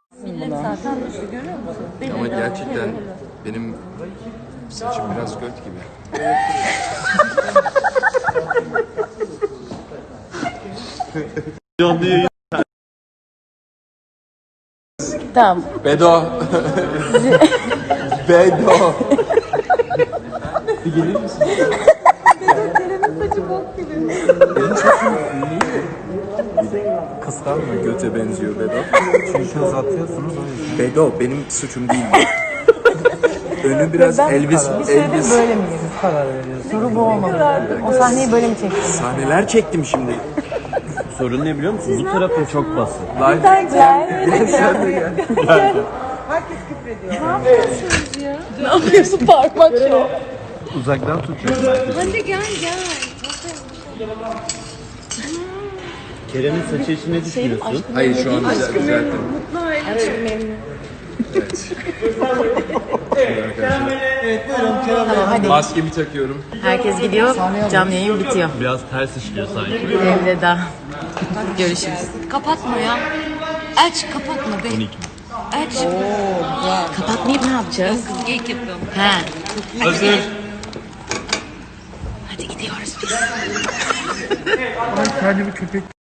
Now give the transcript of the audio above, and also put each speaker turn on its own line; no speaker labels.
Millet zaten düştü, görüyor musun?
Ama gerçekten benim saçım biraz göt gibi.
Tamam.
Bedo. Bedo. Bir gelir misin?
Saçı bok gibi.
Kıskanma, göte benziyor Bedo.
Çünkü uzatıyorsunuz o yüzden.
Bedo benim suçum değil. Önü biraz Elvis.
Böyle mi yedin?
Karar veriyorsun.
Soru bu olmalı. O sahneyi böyle mi çektin?
Sahneler çektim şimdi.
Sorun ne biliyor musun? Bu tarafın çok basık.
Live. Sen de gel.
Ne yapıyorsun parmak şu?
Uzaktan tutuyorum.
Hadi gel gel.
Kerem'in saçı için ne düşünüyorsun?
Hayır şu an düzelttim.
Aşkım memnun.
Evet.
Tamam hadi.
Maskemi takıyorum.
Herkes gidiyor. Canlı yayın bitiyor.
Biraz ters işliyor sanki.
Elveda. Görüşürüz. Kapatma ya. Aç kapatma be.
12.
Aç. Kapatmayıp ne yapacağız? Kız geyik yapıyorum. He.
Hazır.
Hadi gidiyoruz biz.
Kendimi köpek